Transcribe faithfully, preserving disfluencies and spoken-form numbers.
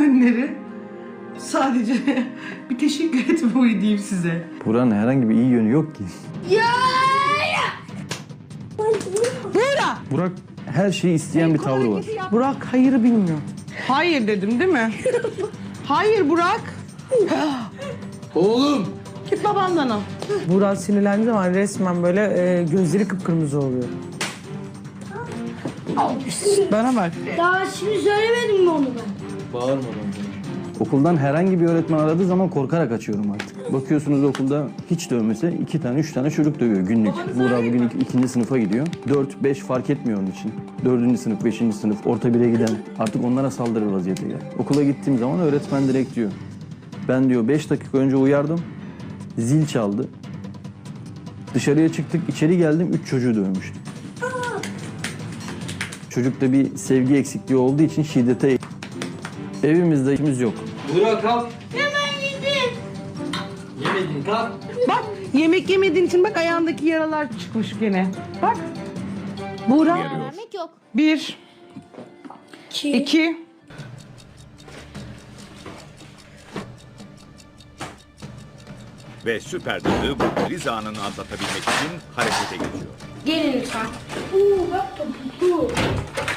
yönleri sadece bir teşekkür etme huyu diyeyim size. Buranın herhangi bir iyi yönü yok ki. Burak! Burak her şeyi isteyen bir tavrı var. Burak hayırı bilmiyor. Hayır dedim değil mi? Hayır Burak. Oğlum! Git babandan al. Burak sinirlendiği zaman resmen böyle e, gözleri kıpkırmızı oluyor. Bana bak. Daha şimdi söylemedim mi onu ben? Bağırmadan. Okuldan herhangi bir öğretmen aradığı zaman korkarak açıyorum artık. Bakıyorsunuz okulda hiç dövmese iki tane, üç tane çocuk dövüyor günlük. Burak bugün ik- ikinci sınıfa gidiyor. Dört, beş fark etmiyor onun için. Dördüncü sınıf, beşinci sınıf, orta bire giden artık onlara saldırır vaziyete gel. Okula gittiğim zaman öğretmen direkt diyor. Ben diyor beş dakika önce uyardım, zil çaldı. Dışarıya çıktık, içeri geldim, üç çocuğu dövmüştüm. Çocukta bir sevgi eksikliği olduğu için şiddete... Evimizde işimiz yok. Burak kalk. Ya ben yedim. Yemedin kalk. Bak yemek yemediğin için bak ayağındaki yaralar çıkmış gene. Bak. Burak. Vermek yok. Bir. İki. iki. Ve süper dadı bu kriz anını atlatabilmek için harekete geçiyor. Gelin lütfen. Uuu bak topu.